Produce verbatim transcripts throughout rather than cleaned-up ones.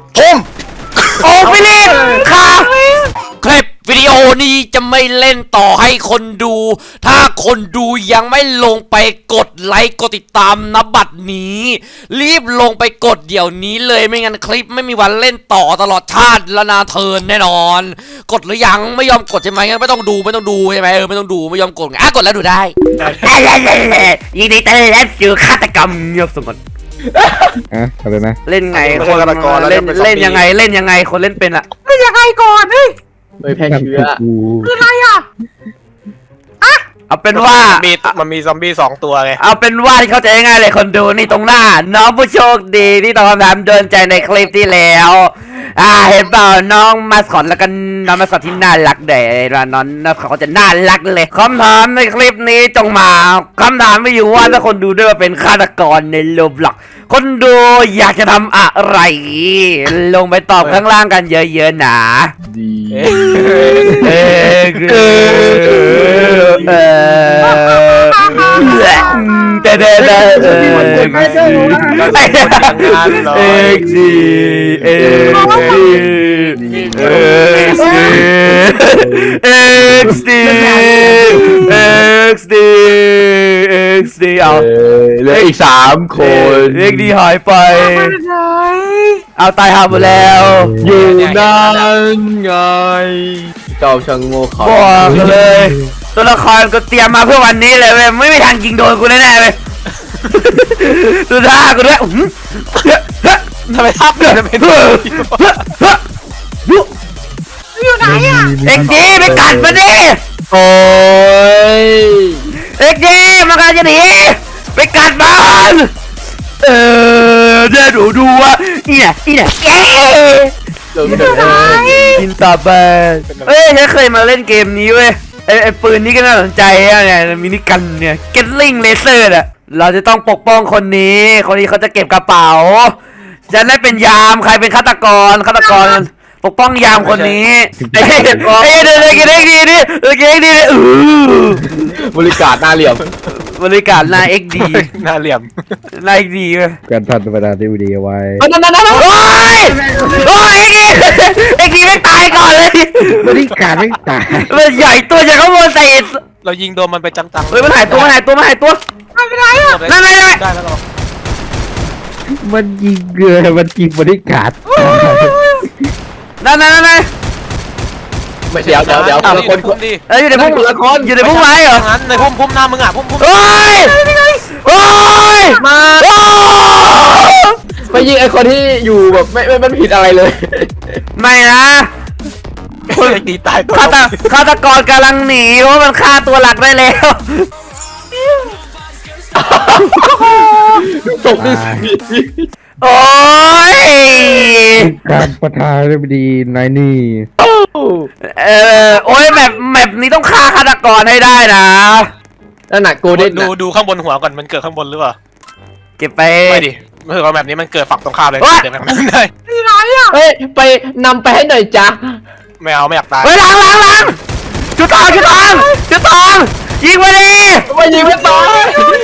ทุ่มโอ้ฟิลิปค่ะคลิปวิดีโอนี้จะไม่เล่นต่อให้คนดู ถ้าคนดูยังไม่ลงไปกดไลค์กดติดตามณบัดนี้ รีบลงไปกดเดี๋ยวนี้เลยไม่งั้นคลิปไม่มีวันเล่นต่อตลอดชาติและนาเทินแน่นอนกดหรือยังไม่ยอมกดใช่ไหมงั้นไม่ต้องดูไม่ต้องดูใช่ไหมเออไม่ต้องดูไม่ยอมกดอ่ะกดแล้วดูได้ยินดีต้อนรับสู่ฆาตกรรมเงียบสงบอะอะไรนะเล่นไงคนเล่นเล่นยังไงเล่นยังไงคนเล่นเป็นอะเล่นยังไงก่อนเฮ้ยโดยแพร่เชื้อคืออะไรอ่ะอะเอาเป็นว่ามีมันมีซอมบี้สองตัวไงเอาเป็นว่าที่เข้าใจง่ายเลยคนดูนี่ตรงหน้าน้องผู้โชคดีที่ตอบคำถามโดนใจในคลิปที่แล้วอ่าเห็นเปล่าน้องมาสคอตแล้วกันน้องมาสคอตที่น่ารักเด็ดน้องน้องเขาจะน่ารักเลยคำถามในคลิปนี้จงมาคำถามไม่อยู่ว่าถ้าคนดูด้วยว่าเป็นฆาตกรในโลบล็อกคนดูอยากจะทำอะไรลงไปตอบข้างล่างกันเยอะๆนะดีเออเออเออแต่แต่แต่เออเอ็กซีเอ็กซีเอ็กซีเอ็กซีเอ็กซีเอ็กซีเอาเหลืออีกสามคนเอ็กดีหายไปเอาตายหาหมดแล้วอยู่นั่นไงเจ้าช่างโง่เขาบอกเลยตัวละครก็เตรียมมาเพื่อวันนี้เลยเว้ยไม่มีทางยิงโดนกูแน่ๆเลยดูท่ากูด้วยทำไมทับเนี่ยทำไมอยู่ไหนอ่ะเอ็กดีไปกัดมาดิโอ้ยเอ็กดีมันกำลังจะหนีไปกัดมันเออเดี๋ยวดูดูว่านี่แหละนี่แหละเอ๊ะกินตาแบนเฮ้ยฉันเคยมาเล่นเกมนี้เว้ยไอไอปืนนี้ก็น่าสนใจอะเนี่ยมินิกันเนี่ยเก็ตลิงเลเซอร์อะเราจะต้องปกป้องคนนี้คนนี้เขาจะเก็บกระเป๋าฉันได้เป็นยามใครเป็นฆาตกรฆาตกรปกป้องยามคนนี้ไอ้เด็กไอ้เด็กเด็กเด็กดีดิเด็กเด็กดีดิอือบริการหน้าเหลี่ยมบริการหน้าเอ็กดีหน้าเหลี่ยมหน้าเอ็กดีเว้ยการทันประธานที่ดีเอาไว้นั่นนั่นนั่นโอ้ยโอ้ยเอ็กดีเอ็กดีไม่ตายก่อนเลยบริการไม่ตายมันใหญ่ตัวจะเขาโมเสสเรายิงโดนมันไปจังๆเฮ้ยมันหายตัวมันหายตัวมันหายตัวไม่เป็นไรอ่ะนั่นนั่นนั่นได้แล้วหรอมันยิงเกลือมันยิงบริการนั่นนั่นนั่นไม่เดี๋ยวเดี๋ยวเดี๋ยวคนคนดีเอ้ยอยู่ในพุ่มอยู่ในพุ่มไม้เหรอในพุ่มพุ่มหน้ามึงอ่ะพุ่มพุ่มโอ้ยโอ้ยมาไปยิงไอคนที่อยู่แบบไม่ไม่มันผิดอะไรเลยไม่นะคนตีตายฆาตฆาตกรกำลังหนีเพราะมันฆ่าตัวหลักได้แล้วตกดิโอ้ยการประธานได้ดีนายนี่เออโอ้ยแมปแมปนี้ต้องฆ่าฆาตกรให้ได้นะนั่นน่ะโกเด้นดูดูข้างบนหัวก่อนมันเกิดข้างบนหรือเปล่าเก็บไปไม่ดิเมื่อก่อนแบบนี้มันเกิดฝั่งตรงข้ามเลยเดี๋ยวแบบนั้นเลยที่ไหนอ่ะเฮ้ยไปนำไปให้หน่อยจ้ะไม่เอาไม่อยากตายเฮ้ยหลังหลังหลังจุดทองจุดทองจุดทองยิงไปดิไม่ยิงไม่ตาย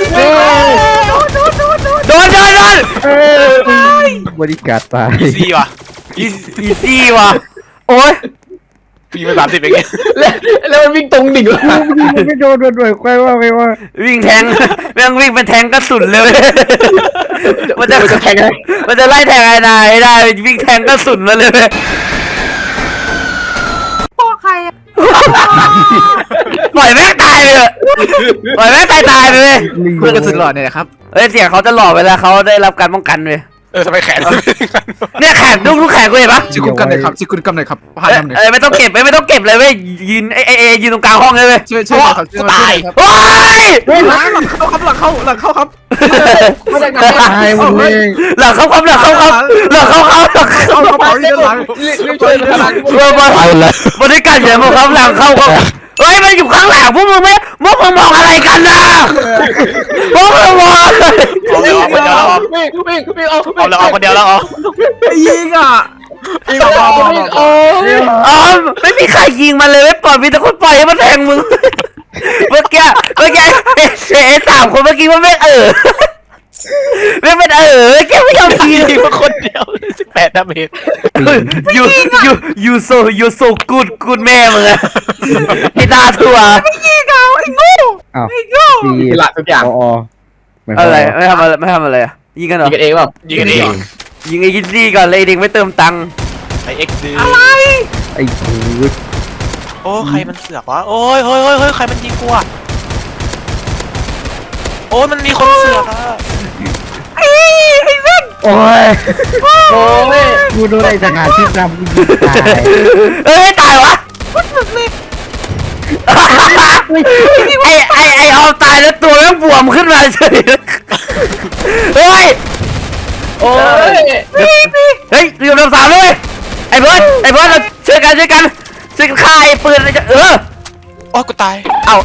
โดนโดนโดนบริการตายอีซี่ว่ะอีซี่ว่ะโอ้ยปีมาสามสิบเองแล้วแล้วมันวิ่งตรงดิ่งเลยไม่โดนโดนด้วยใครว่าไม่ว่าวิ่งแทงแม่งวิ่งเป็นแทงกระสุนเลยมันจะแทงมันจะไล่แทงไอ้นายได้วิ่งแทงกระสุนมาเลยพ่อใครอ่ะปล่อยแม่ตายเลยปล่อยแม่ตายตายไปเลยเพื่อกระสุนหลอดเนี่ยครับเฮ้ยเสียงเขาจะหล่อเวลาเขาได้รับการป้องกันเลยเออทำไมแขนเนี่ยแขนลูกลูกแขนกูเห็นปะชิคุกันเลยครับชิคุกันเลยครับผ่านทำเลยเออไม่ต้องเก็บไม่ต้องเก็บเลยเว้ยยืนไอไอยืนตรงกลางห้องเลยเว้ยช่วยช่วยครับตายโอ้ยหลังเข้าครับหลังเข้าหลังเข้าครับไม่ได้ตายหมดเลยหลังเข้าครับหลังเข้าครับหลังเข้าครับหลังเข้าครับหลังรีบช่วยหลังบริการอย่างพวกครับหลังเข้าครับเฮ้ยมันอยู่ข้างหลังพวกมึงไหมพวกมึงมองอะไรกันนะพวกมึงมองอะไรเอาเดี๋ยวเอาเดี๋ยวเอาวิ่งวิ่งวิ่งเอาเอาแล้วเอาคนเดียวแล้วเอายิงอ่ะยิงเอาโอ้อ๋อไม่มีใครยิงมันเลยไม่ปล่อยมีแต่คนปล่อยให้มันแทงมึงเมื่อกี้เมื่อกี้เอ๊ะสามคนเมื่อกี้มันไม่เออไม่เป็นเออแกไม่ยอมทียิงมาคนเดียวสิบแปดดาเมจยูยูยูโซยูโซกูดกูดแม่มึงอะไอ้ตาถั่วไม่ยิงเอาไอ้โง่อ้าวไอ้โง่ตีละทุกอย่างพอเหมือนอะไรไม่ทำอะไรไม่ทำอะไรอะยิงกันเหรยิองกันเองเปล่ายิงกันเองยิงไอ้กินซี่ก่อนเลยไอ้เด็กไม่เติมตังค์ไอเอ็กซ์ดีอะไรไอ้กูดโอ้ใครมันเสือกวะโอ้ยเฮ้ยเฮ้ยเฮ้ยใครมันยิงกูอะโอ้ยมันมีคนเสือกอะไอ้ไอ้เว้นโอ้ยโอ้ยกูโดนไอ้ทหารที่นำกูยิงตายเอ้ยตายวะพูดถึงเลยไอ้ไอ้ไอ้เอาตายแล้วตัวแม่งบวมขึ้นมาเฉยเฮ้ยโอ้ยเฮ้ยอยู่ลำสามเลยไอ้เบิร์ดไอ้เบิร์ดเราช่วยกันช่วยกันช่วยกันฆ่าไอ้ปืนเลยจะเออโอ้ยกูตายเอา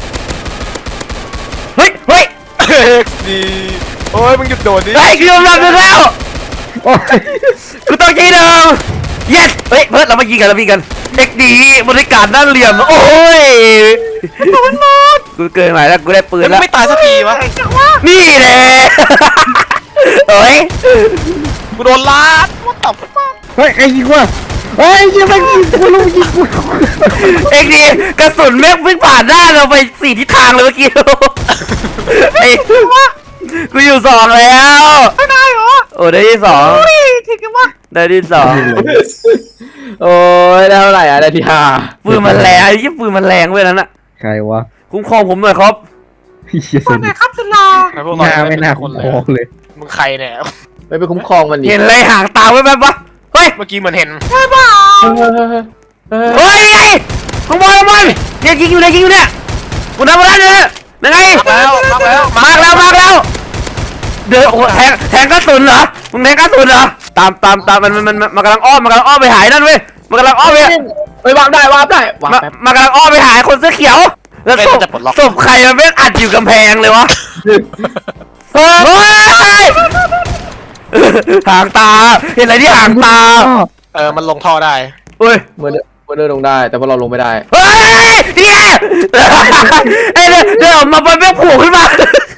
เฮ้ยเฮ้ยเอ็กซ์ดีโอ้ยมึงหยุดโดดดิเฮ้ยกูยอมรับมึงแล้วโอ้ยกูต้องยิงเดิม yes เฮ้ยเบิร์ดเรามายิงกันเรามายิงกันเอ็กดีบริการด้านเหลี่ยมโอ้ยกูเกินหมายแล้วกูได้ปืนแล้วมึแล้งวไม่ตายสักทีวะไอ้จังวะนี่แหละโอ้ยกูโดนลาดว่าตับฟักเฮ้ยไอ้ยิงว่ะเฮ้ยยิงมันยิงกูรู้ยิงกูเอ็กดีกระสุนแม่งวิ่งผ่านหน้าเราไปสี่ทิศทางเลยเมื่อกี้ไอ้กูอยู่สองแล้วไม่ได้เหรอโอ้ได้ที่สองอุ้ยถึงกันวะได้ที่สองโอ้ยได้เท่าไหร่อะได้ที่ห้าปืนมันแรงไอ้ยี่ปืนมันแรงเว้ยนั่นน่ะใครวะคุ้มครองผมหน่อยครับพี่เชี่ยคสนไหนนิทครับสุลาไอ้พวกหเราน้าไม่น่าคคุ้นมเลครองเลยมึงใครเนี่ยไม่ไปคุ้มครองมันดิเห็นอะไรห่างตาไว้แบบวะเฮ้ยเมื่อกี้เหมือนเห็นใช่เปล่าเออเออเออเฮ้ยนี่ไงข้างบนข้างบนเนี่ยยิงอยู่เนี่ยยิงอยู่เนี่ยกูทำอะไรเนี่ยยังไงมาแล้วมาแล้วมาแล้วมาแล้วเดินโอ้แทงแทงกระสุนเหรอมึงแทงกระสุนเหรอตามตามตามมันมันมันมันกำลังอ้อมมันกำลังอ้อมไปหายนั่นเว้ยมันกำลังอ้อมไปเฮ้ยวาร์ปได้วาร์ปได้วาร์ปมาแป๊บมันกำลังอ้อมไปหาคนเสื้อเขียวแล้วศพศพใครมันไม่อัดอยู่กำแพงเลยวะเฮ้ยหางตาเห็นอะไรที่หางตาเออมันลงท่อได้เฮ้ยเมื่อเดินเมื่อเดินลงได้แต่พวกเราลงไม่ได้เฮ้ยเนี่ยไอ้เนี่ยเดินออกมาบนแม่งโผล่ขึ้นมา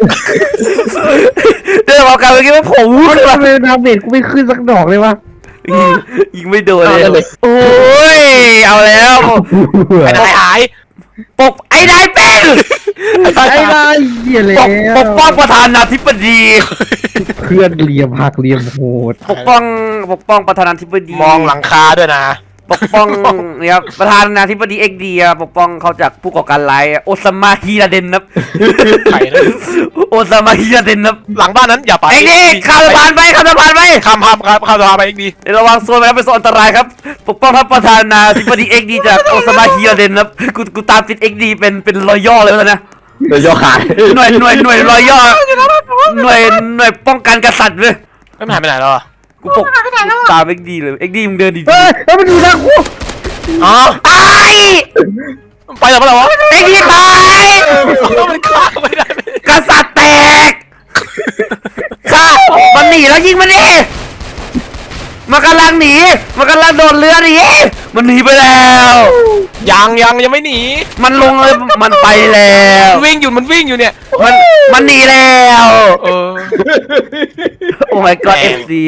เดินออกกันเมื่อกี้แม่งโผล่ขึ้นมาทำไมดาเมจกูไม่ขึ้นสักดอกเลยวะยิงยิงไม่โดนเอาได้เลเลย ยโอ้ยเอาแล้วไอ้นายหายปกไอ้นายเป็นไอ้นายเหี้ยแล้ปวกปกป้องประธานาธิบดีเพื่อนเหลี่ยมหักเหลี่ยมโหดปกป้องปกป้องประธานาธิบดีมองหลังคาด้วยนะปกป้องเนี่ยครับประธานาธิบดีเอ็กดีปกป้องเขาจากผู้ก่อการร้ายโอซามาฮิราเดนครับใครนะโอซามาฮิราเดนครับหลังบ้านนั้นอย่าไปไอ้นี่ข้ามสะพานไปข้ามสะพานไปข้ามข้ามข้ามข้ามสะพานไปอีกดีเดี๋ยวระวังโซนไปครับเป็นโซนอันตรายครับปกป้องท่านประธานาธิบดีเอ็กดีจากโอซามาฮิราเดนครับกูกูตามติดเอ็กดีเป็นเป็นรอยย่อเลยแล้วนะโดยย่อขายหน่วยหน่วยหน่วยรอยย่อหน่วยหน่วยป้องกันกษัตริย์เลยไม่หายไปไหนแล้วอ่ะกูปกตามเอ็กดีเลยเอ็กดีมึงเดินดีเฮ้ยเฮ้ยมันอยู่ทางกูอ๋อไอ้ไปแล้วเปล่าวะเอ็กดีตายมันฆ่าไม่ได้กษัตริย์แตกข้ามันหนีแล้วยิงมันดิมันกำลังหนีมันกำลังโดดเรือหนีมันหนีไปแล้วยังยังยังไม่หนีมันลงเลยมันไปแล้ววิ่งอยู่มันวิ่งอยู่เนี่ยมันมันหนีแล้วเออโอ้ my god เอฟซี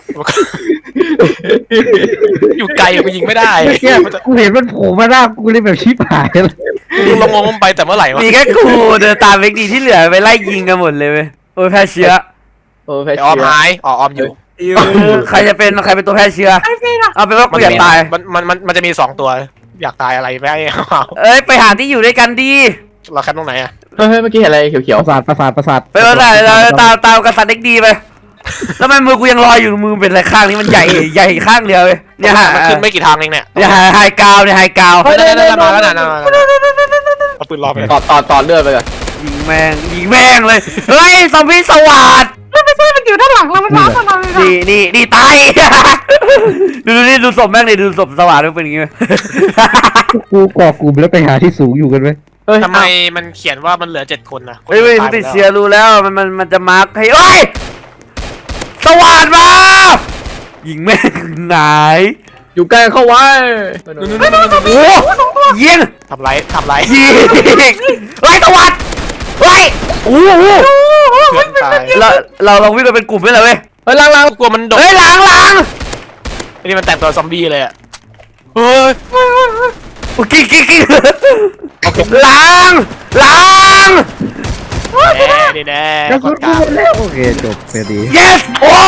อยู่ไกลกูยิงไม่ได้เนี่ยกูเห็นมันโผล่มาหน้ากูเลยแบบชิบหายเลยมึงลงงมไปแต่เมื่อไหร่วะมีแค่กูเดินตามเอ็กดีที่เหลือไปไล่ยิงกันหมดเลยเว้ยโอ้ยแพ้เชื้อโอ้แพ้ไอ้ออมเชื้อหายอ๋อออมอยู่ใครจะเป็นใครเป็นตัวแพ้เชื้อไอ้เฟ้นอะเอาเป็นว่ากูอยากตายมันมันมันมันจะมีสองตัว อยากตายอะไรไม่เอาเอ้ยไปหาที่อยู่ด้วยกันดีเราแคปตรงไหนอ่ะเฮ้ยเฮ้ยเมื่อกี้เห็นอะไรเขียวประสาทประสาทประสาทไปว่าไหนเราตามตามกษัตริย์เอ็กดีไปแล้วทำไมมือกูยังลอยอยู่มือเป็นอะไรข้างนี้มันใหญ่ใหญ่ข้างเดียวเลยเนี่ยมันขึ้นไม่กี่ทางเองเนี่ยเนี่ยไฮกราวเนี่ยไฮกราวนั่นนั่นนั่นมาแล้วนะเอาปืนรอไปๆต่อต่อต่อเลือดไปก่อนยิงแม่งยิงแม่งเลยเฮ้ยซอมบี้สวัสดไม่ใช่มันอยู่ด้านหลังเรามันร้อนเราเลยนี่นี่นี่ตาย ดูดูนี่ดูศพแม่งนี่ดูศพสวัสดมันเป็นอย่างงี้ไหมกูก่อกลุ่มแล้วไปหาที่สูงอยู่กันไหมเฮ้ยทำไมมันเขียนว่ามันเหลือเจ็ดคนนะเฮ้ยเฮ้ยติดเสียรู้แล้วมันมันมันจะมาร์คให้เอ้ยสวัสดมายิงแม่งไหนอยู่ใกล้เข้าไว้โอ้ยิงทำไรทำไรยิงเฮ้ยสวัสดเฮ้ยโอ้โหเพื่อนตายเราเราลองวิ่งกันเป็นกลุ่มไหมล่ะเว้ยเฮ้ยล่างล่างกลัวมันโดนเฮ้ยหลังหลังไอ้นี่มันแต่งตัวซอมบี้เลยอ่ะเฮ้ยโอ้กิ๊กกิ๊กกิ๊กหลังหลังแน่ดีแน่กระกสุดนกลางหมดแล้วโอเคจบพอดี yes โอ้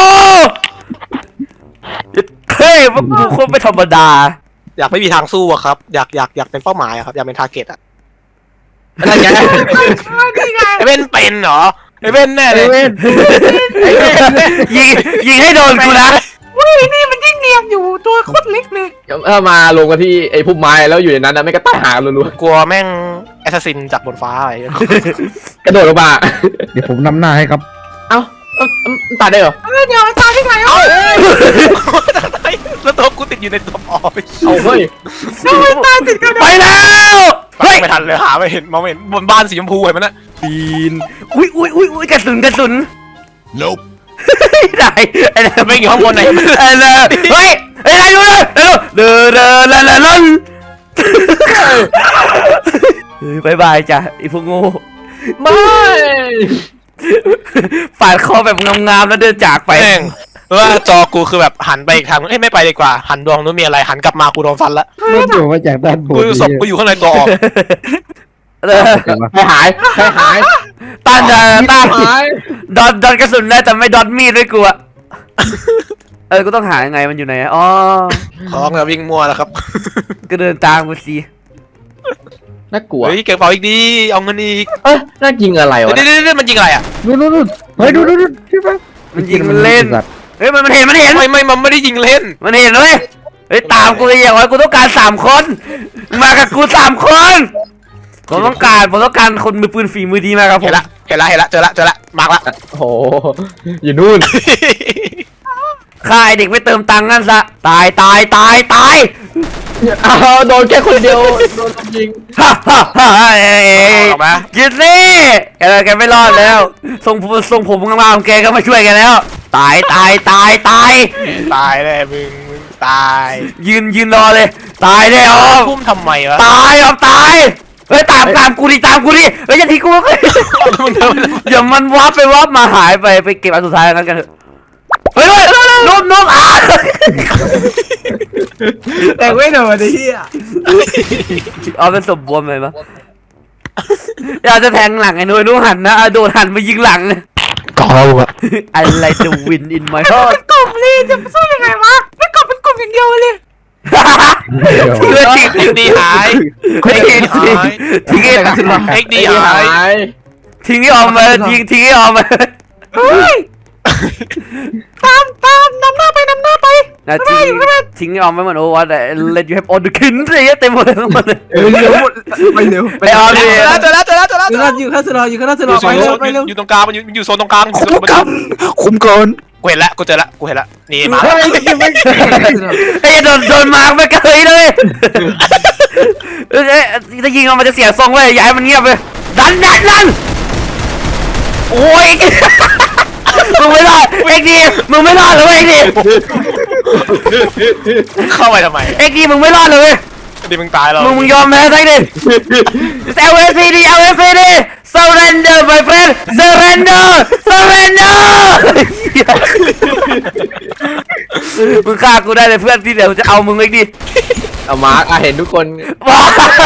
เฮ้ยพวกกูคนไม่ธรรมดาอยากไม่มีทางสู้อะครับอยากอยากอยากเป็นเป้าหมายอะครับอยากเป็นทาร์เก็ตอะอะไรไงนี่ไงไอ้เว้นเป็นเหรอไอ้เว้นแน่เลยเว้นยิงยิงให้โดนกูนะอุ้ยนี่มันยิ่งเนียนอยู่ตัวโคตรเล็กเลยถ้ามาลงกันที่ไอ้พุ่มไม้แล้วอยู่ในนั้นนะไม่ก็ตายหารัวกลัวแม่งแอสซัสซินจากบนฟ้าอะไรอย่างเงี้ยๆกระโดดลงมาเดี๋ยวผมนำหน้าให้ครับเอ้าเอ้าตายได้เหรอเออเดี๋ยวตายที่ไหนเอ้าแล้วตัวกูติดอยู่ในตัวอ๋อไปเอาเฮ้ยทำไมตายติดกันไปแล้วเฮ้เฮ้ยยไม่ทันเลยหาไม่เห็นมองไม่เห็นบนบ้านสีชมพูเห็นมันนะปีนอุ้ยอุ้ยอุ้ยอุ้ยกระสุนกระสุน nope ได้ไอ้นั่นไม่อยู่ข้างบนไหนไอ้นั่นเฮ้ยไอ้นั่นดูเลยเร็วเดินเดินละละลันบายบายจ้ะไอ้พวกโง่ไม่ฝาดคอแบบงามๆแล้วเดินจากไปแม่งว่าจอกูคือแบบหันไปอีกทางเอ้ยไม่ไปดีกว่า หันดวงนู้นมีอะไรหันกลับมากูโดนฟันละมันอยู่มาจากด้านบนกูศพกูอยู่ข้างในตัวออกเออให้หายให้หายต้านจะต้านหายดอทดอทกระสุนได้แต่ไม่ดอทมีดด้วยกูอะเออกูต้องหายังไงมันอยู่ไหนอะอ๋อของจะวิ่งมั่วแล้วครับก็เดินตามกูสิน่ากลัวเฮ้ยเก็บกระเป๋าอีกดีเอาเงินอีกเอ้ยน่ายิงอะไรวะเดี๋ยวเดี๋ยวเดี๋ยวมันยิงอะไรอ่ะนู่นนู่นนู่นเฮ้ยดูดูดูใช่ปะมันยิงมันเล่นเฮ้ยมันมันเห็นมันเห็นไม่ไม่มันไม่ได้ยิงเล่นมันเห็นเว้ยเฮ้ยตามกูเลยอย่างไรกูต้องการสามคนมากับกูสามคนผมต้องการผมต้องการคนมือปืนฝีมือดีมาครับผเห็มนละเห็นละเห็นละเจอละเจอละมาร์กละโอ้โหอยู่นู่นฆ่าไอ้เด็กไม่เติมตังค์นั่นซะตายตายตายตายอ้าวโดนแค่คนเดียวโดนยิงฮ่าฮ่าฮ่าเอ้ยออกมากินสิแกแกไม่รอดแล้วทรงผมทรงผมงามๆแกก็มาช่วยแกันแล้ว ตายตายตายตายตายเลยมึงมึงตายยืนยืนรอเลย ตายแน่ออมพุ่มทำไมวะตายออมตายเฮ้ยตามตามกูดิตามกูดิเฮ้ยอย่าทิ้งกูเลยมึงทำไมอย่ามันวับไปวับมาหายไปไปเก็บอันสุดท้ายนั้นกันเถอะเฮ้ยเฮ้ยนุ่มนุ่มอ่ะแต่ไม่โดนไอ้เหี้ยเอาเป็นสมบูรณ์เลยปะอยากจะแทงหลังไอ้นุ้ยนุ่หันนะอ่ะโดนหันมายิงหลังกองอะ I like the wind in my heart กลุ่มเลยจะสู้ยังไงวะไม่กลุ่มเป็นกลุ่มอย่างเดียวเลยเพื่อทิ้งเอ็กดีหายทิ้งทิ้งทิ้งไอ้เอ็กดีไอ้หายหายทิ้งไอ้ออมมาทิ้งทิ้งไอ้ออมมาเฮ้ยตามตามนำหน้าไปนำหน้าไปนะทิ้งทิ้งไอ้ออมไว้เหมือนโอ้ว่าแต่ let you have all the kin อะไรเงี้ยเต็มหมดเลยทั้งหมดเลยเออเร็วหมดไปเร็วไปออมเจดิอแล้วเจอแล้วเจอแล้วเจอแล้วอยู่ข้างอยู่ข้างสลออยู่ข้างสลออยู่ไปโซเร็นวไปเร็วอยู่ตรงกลางมันอยู่อยู่โซนตรงกลางคุ้มกันคุ้มกันกูเห็นแล้วกูเจอแล้วกูเห็นแล้วนี่มาเฮ้ยยังไม่ไอ้โดนโดนมาร์กไปเกยเลยเอ้ยจะยิงมันจะเสียทรงเว้ยอย่าให้มันเงียบเลยดันดันดันโอ้ยมึงไม่รอดเอ็กดีมึงไม่รอดเลยเอ็กดีเข้าไปทำไมเอ็กดีมึงไม่รอดเลยดิมึงตายแล้วมึงมึงยอมแพ้ซะดิ L S P D L S P D surrender my friend surrender surrender มึงฆ่ากูได้เลยเพื่อนที่เดี๋ยวจะเอามึงเอ็กดีเอามาร์กอ่ะเห็นทุกคนว้า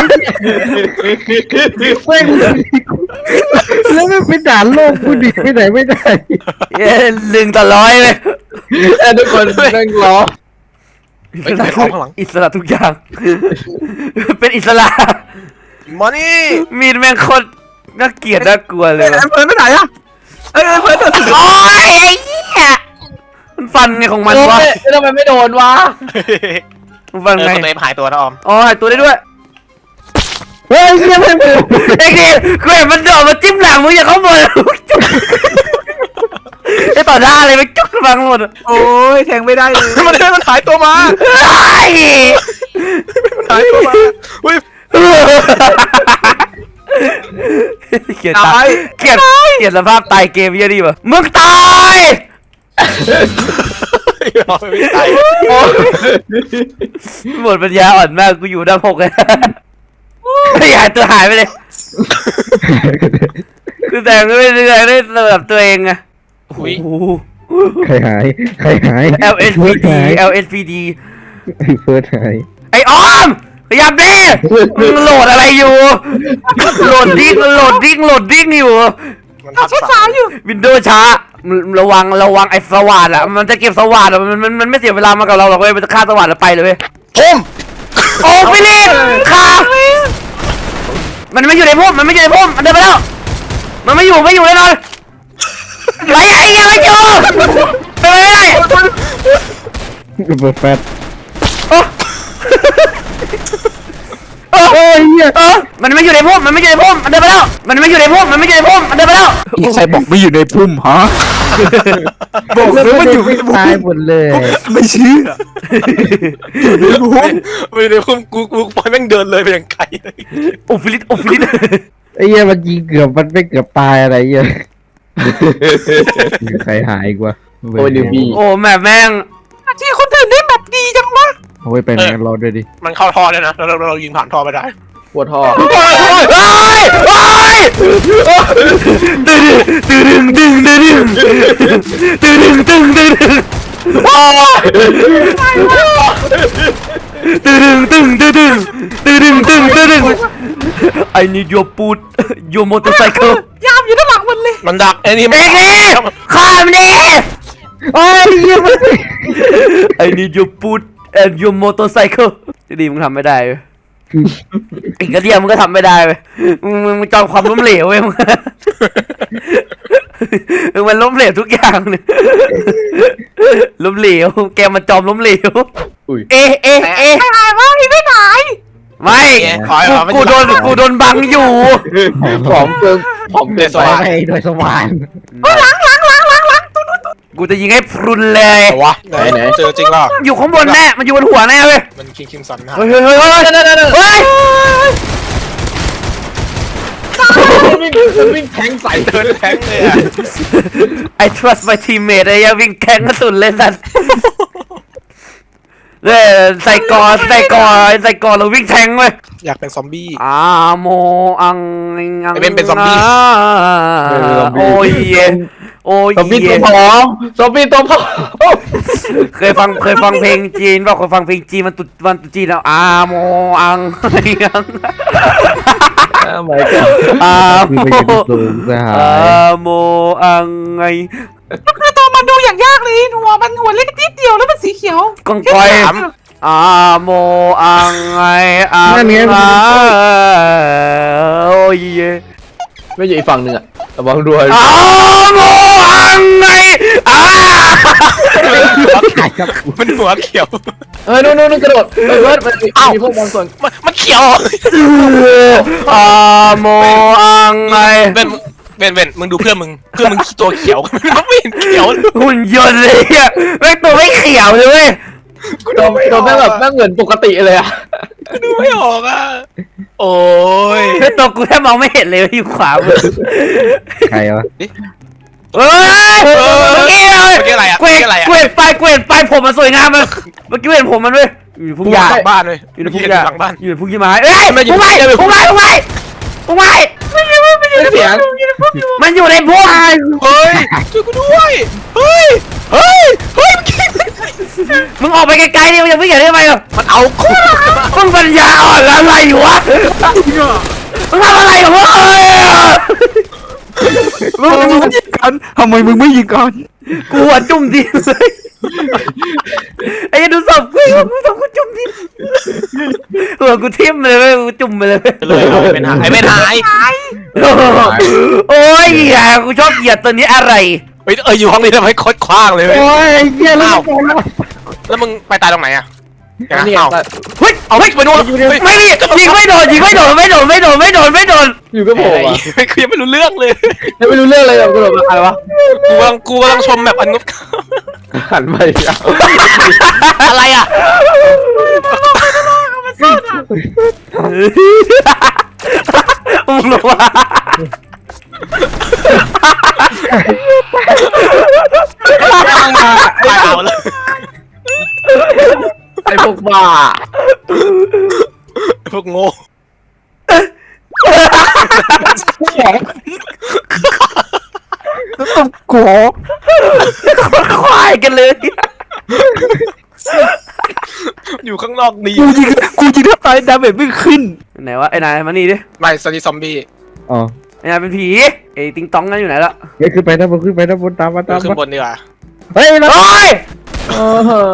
แล้วมันเป็นด่านโลกกูดิไปไหนไม่ได้เย้หนึ่งต่อร้อยเลยเอ้ยทุกคนนั่งรอเฮ้ยไปของข้างหลังอิสระทุกอย่าง เป็นอิสระมานี่มีดแม่งโคตรน่าเกลียดน่ากลัวเลยไอ้เฟิร์นไปไหนอะไอ้เฟิร์นตัวสุดโอ้ยไอ้เหี้ยมันฟันไงของมันวะเอ้ยทำไมไม่โดนวะมันฟันเออไงคนเอฟหายตัวนะออมอ๋อหายตัวได้ด้วยเฮ้ยเหี้ยไม่เป็นไอ้นี่กูเห็นมันโดดมาจิ้มหลังมึงอย่าเข้ามาไอ้ต่อหน้าเลยมันจุกฟังหมดโอ้ยแทงไม่ได้เลยมันได้มันหายตัวมาไอ้มันหายตัวมาอุ้ยเกลียดตายเกลียดเกลียดสภาพตายเกมเยอะดีป่ะมึงตายออมไม่ตายหมดปัญญาอ่อนมากกูอยู่ด้านหกเลยไม่หายตัวหายไปเลยคือแต่งไม่เรื่อยๆได้แบบตัวเองอะโอ้โหใครหายใครหาย L S P D หาย L S P D เฟิร์สหายไอ้ออมพยายามดิมึงโหลดอะไรอยู่โหลดดิ้งโหลดดิ้งโหลดดิ้งอยู่มันทับใช้สาวอยู่วินโดว์ช้าระวังระวังไอ้สว่านอ่ะมันจะเก็บสว่านอ่ะมันมันมันไม่เสียเวลามากับเราหรอกเว้ยมันจะฆ่าสว่านแล้วไปเลยเว้ยพุ่มโอ้ฟิลิปฆ่ามันไม่อยู่ในพุ่มมันไม่อยู่ในพุ่มมันเดินไปแล้วมันไม่อยู่ไม่อยู่แน่นอนไปไอ้ยังไม่อยู่ไปไม่ได้เปิดแฟลชโอ้โอ้ยเออมันไม่อยู่ในพุ่มมันไม่อยู่ในพุ่มมันเดินไปแล้วมันไม่อยู่ในพุ่มมันไม่อยู่ในพุ่มมันเดินไปแล้วใครบอกไม่อยู่ในพุ่มฮะบอกเลยว่าอยู่ในพุ่มตายหมดเลยไม่เชื่อพุ่มไม่ได้พุ่มกูกูปล่อยแม่งเดินเลยไปอย่างไกลเลยโอ้ฟิลิปโอ้ฟิลิปไอ้เหี้ยมันยิงเกือบมันไม่เกือบตายอะไรเหี้ยใครหายกว่าโอ้ยนิวบี้โอ้แม่แม่งที่คนอื่นได้แบบดีจังวะโอ้ยไปไหนกันรอด้วยดิมันเข้าท่อเลยนะเราเราเรายิงผ่านท่อไปได้ปวดท่อเฮ้ยเฮ้ยตึงตึงตึงตึงตึงตึงตึงตึงตึงตึงตึงตึงตึงตึงตึงตึง I need your boot your motorcycle ยามอยู่ด้านหลังมันเลยมันดักไอ้นี่เอ็กซ์ข้ามดิโอ้ยเหี้ยมัน I need your boot and your motorcycle จะดีมึงทำไม่ได้เว้ยอีกกระเดียมึงก็ทำไม่ได้เว้ยมึงมึงมึงจอมความล้มเหลวเว้ยมึงมึงมันล้มเหลวทุกอย่างเลยล้มเหลวแกมันจอมล้มเหลวอุ้ยเอ๊ะเอ๊ะเอ๊ะไม่หายวะอีไม่หายไม่กูกูโดนกูโดนบังอยู่ผอมเกินผอมเกินไปไปไปโดยสว่านเฮ้ยหลังหลังหลังหลังหลังตู้นู้นตู้กูจะยิงให้พรุนเลยวะไหนไหนเจอจริงเปล่าอยู่ข้างบนแน่มันอยู่บนหัวแน่เว้ยมันคิงคิงสันนะเฮ้ยเฮ้ยเฮ้ยเฮ้ยเฮ้ยมันวิ่งมันวิ่งแทงใส่เดินแทงเลยอะ I trust my teammate ไอ้ยังวิ่งแข่งกระสุนเลยสัตว์เอ้ยใส่กอใส่กอใส่กอเราวิ่งแทงเว้ยอยากเป็นซอมบี้อาโมอังอังไอ้เบนเป็นซอมบี้โอ้ยโอ้ยซอมบี้ตัวผอมซอมบี้ตัวผอมเคยฟังเคยฟังเพลงจีนป่ะเคยฟังเพลงจีนมันตุมันตุจีนแล้วอาโมอังอังไม่ก็อาคือโมไปยืนสูงสหาอาย โมอังไงก็คือตัวมันดูอย่างยากเลยหัวมันหัวเล็กนิดเดียวแล้วมันสีเขียวกองกอยอาโมอังไงอังอาโอ้ยไม่อยู่อีกฝั่งหนึ่งอะระวังด้วยอาโมอังไงอามันหัวเขียวเฮ้ยนู่นนู่นกระโดดเฮ้ยเบิร์ดมันมีพวกบางส่วนมันมันเขียวอาโมอังไงเบนเบนเบนมึงดูเพื่อนมึงเพื่อนมึงตัวเขียวมันไม่เห็นเขียวหุ่นยนต์เลยอะแม่งตัวไม่เขียวเลยเว้ยโดนโดนแม่งแบบแม่งเหมือนปกติเลยอะดูไม่ออกอ่ะโอ้ยแม่งตัวกูแทบมองไม่เห็นเลยอยู่ขวามือใครวะเฮ้ยเมื่อกี้เลยเมื่อกี้อะไรอ่ะเกวเมื่อดกี้อะไรอ่ะเกวดไปเกวดไปผมมันสวยงามเลยเมื่อกี้เห็นผมมันเว้ยอยู่พุ่งหญ้าหลังบ้านเลยอยู่ในพุ่งหหญ้าลังบ้านอยู่ในพุ่งยี่ไม้เอ้ยมันอยู่พุ่งไม้ในพุ่พุ่งงไม้พุ่งไม้พุ่งไม้ไม่เสียงมันอยู่ในพุ่งเฮ้ยช่วยกูด้วยเฮ้ยเฮ้ยเฮ้ยมึงออกไปไกลๆดิมึงอย่าเพิ่งอย่าได้ไหมอ่ะมันเอากูมึงปัญญาอ่อนอะไรอยู่วะมึงทำอะไรกับมึงเอ้ยมึงมึงยิงกันทำไมมึงไม่ยิงกันกูหัวจุ่มดินเลยไอ้ยันดูศพกูกูศพกูจุ่มดินหัวกูทิ่มเลยเว้ยกูจุ่มไปเลยเลยเอาไอ้เป็นหายไอ้เป็นหายโอ้ยอย่ากูชอบเหยียดตัวนี้อะไรเฮ้ยเอออยู่ห้องนี้ทำให้โคตรคว้างเลยเว้ยโอ้ยเหี้ยแล้วแล้วมึงไปตายตรงไหนอ่ะนี่เอาเฮ้ยเอาเฮ้ยไปโดนไม่ดิยิงไม่โดนยิงไม่โดนไม่โดนไม่โดนไม่โดนไม่โดนอยู่กับผมอะคือยังไม่รู้เรื่องเลยยังไม่รู้เรื่องเลยแบบกระโดดมาใครวะกูกำลังกูกำลังชมแบบอันงบหันไปอ่ะอะไรอ่ะมึงรู้ว่าตายเอาเลยไอ้พวกบ้าพวกโง่ขอควายกันเลยอยู่ข้างนอกดีกูยิงกูยิงถ้าตายดาเมจไม่ขึ้นไหนวะไอ้นายมานี่ดิไม่สตีซอมบี้อ๋อไอ้นายเป็นผีไอ้ติงตองนั่นอยู่ไหนละเฮ้ยขึ้นไปด้านบนขึ้นไปด้านบนตามมาตามขึ้นมาบนดีกว่าเฮ้ยเราโอ้ยเออ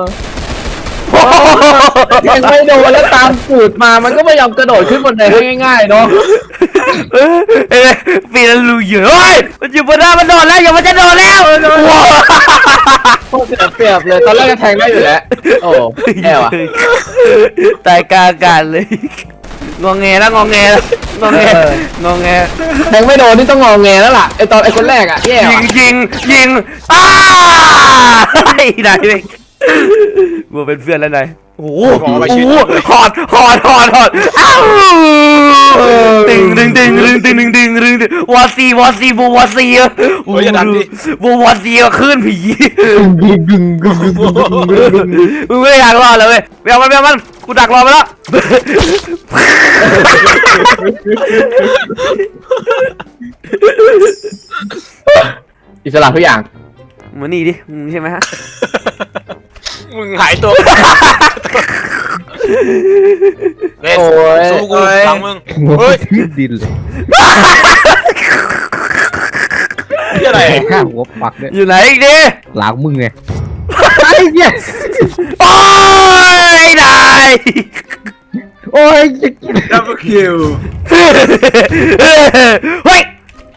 ยังไม่โดนแล้วตามปูดมามันก็ไม่ยอมกระโดดขึ้นบนไดให้ง่ายๆเนาะเอ้ยปีนลูเยอะเฮ้ยมันอยู่บนหน้ามันโดนแล้วอย่ามันจะโดนแล้วว้าวโคตรเสียเปรียบเลยตอนแรกก็แทงได้อยู่แล้วโอ้แย่ว่ะตายกลางอากาศเลยงองแงแล้วงองแงแล้วงองแงงองแงแทงไม่โดนนี่ต้องงอแงแล้วล่ะไอตอนไอคนแรกอ่ะแย่ยิว่ะงยิงยิงอ้าไอ้นายเว้ยกูเป็นเพื่อนแล้วนายโอ้โหโอ้โหหอดหอดหอดหอดอ้าวตึงตึงตึงตึงตึงตึงตึงตึงตึงวอซีวอซีบูวอซีอะโอ้ยอย่าดันดิบูวอซีอะขึ้นผีดึงดึงดึงดึงดึงดึงมึงไม่อยากรอดเลยเว้ยไม่เอามันไม่เอามันกูดักรอไปแล้วอิสระทุกอย่างมานี่ดิมึงใช่ไหมฮะมึงหายตัวเล่นสู้กูหลังมึงเฮ้ยทิ่มดินเลยนี่อะไรข้าหัวปักเนี่ยอยู่ไหนอีกดิหลังมึงไงไอ้เนี่ยโอ้ยนายโอ้ยจะกินดับเบิลคิวเฮ้ย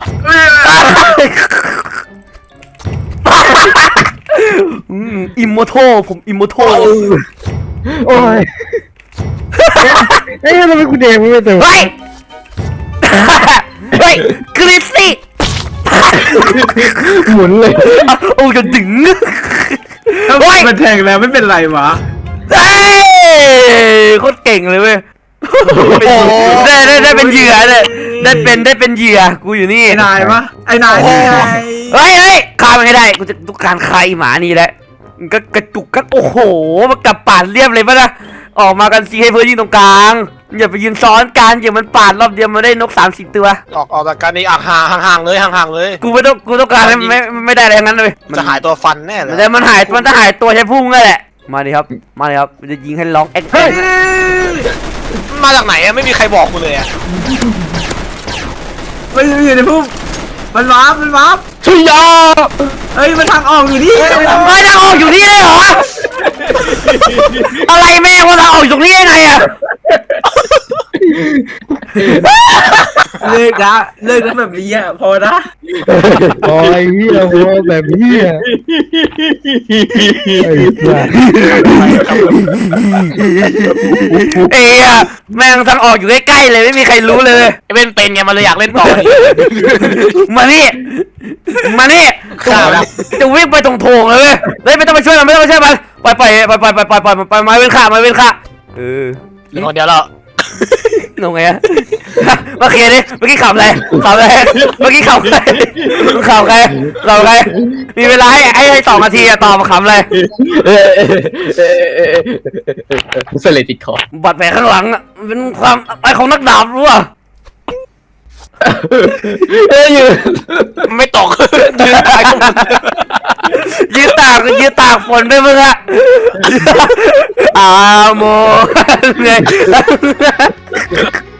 อิมโมโทผมอิมโมโทโอ้ยเอ้ยทำไมกูเด็กไม่เต็มเฮ้ยเฮ้ยคริสซี่หมุนเลยโอ้ยจะดึงถ้ามันแทงแล้วไม่เป็นไรวะเฮ้ยโคตรเก่งเลยเว้ยได้ได้ได้เป็นเหยื่อเลยได้เป็นได้เป็นเหยื่อกูอยู่นี่ไอ้นายปะไอ้นายนี่ไงเฮ้ยเฮ้ยฆ่ามันให้ได้กูจะต้องการใครหมานี่แหละมันก็กระจุกกันโอ้โหมันกลับป่านเรียบเลยปะนะออกมากันซีให้เพื่อนยิงตรงกลางอย่าไปยืนซ้อนกันอย่ามันปาดรอบเดียวมันได้นกสามสิบตัวออกออกจากการนี้อ่ะห่างห่างเลยห่างห่างเลยกูไม่ต้องกูต้องการให้ไม่ไม่ได้อะไรทั้งนั้นเลยจะหายตัวฟันแน่เลยแต่มันหายมันจะหายตัวใช้พุ่งนั่นแหละมาดิครับมาดิครับมันจะยิงให้ร้องแอ๊กแอ๊กมาจากไหนอะไม่มีใครบอกกูเลยอะมันอยู่ในพุ่มมันวาร์ปมันวาร์ปชุยยาเฮ้ยมันทางออกอยู่นี่ไม่ได้ออกอยู่นี่เลยเหรออะไรแม่งว่าเราออกอยู่ตรงนี้ได้ไงอะเลิกนะเลิกนะแบบนี้อ่ะพอนะโอ้ยเฮียโอ้แบบเฮียไอ้สัสเอ้ยแม่งทางออกอยู่ใกล้ๆเลยไม่มีใครรู้เลยไอ้เป็นเป็นไงมันเลยอยากเล่นต่อนี่มานี่มานี่ข่าวแล้วจะวิ่งไปตรงโถงเลยเว้ยเฮ้ยไม่ต้องมาช่วยมันไม่ต้องมาช่วยมันปล่อยปล่อยปล่อยปล่อยปล่อยปล่อยปล่อยปล่อยไม้เว้นขาไม้เว้นขาเออเหลือคนเดียวแล้วงงไงอะเมื่อกี้นี่เมื่อกี้ขำอะไรขำอะไรเมื่อกี้ขำอะไรขำใครขำใครมีเวลาให้ให้ให้สองนาทีอะตอบมาขำอะไรเสลติดคอบาดแผลข้างหลังอะเป็นความอะไรของนักดาบรู้ป่ะเอ้ยยืนไม่ตกยืนตายยืดตากยืดตากฝนไปมึงอะอาโมไง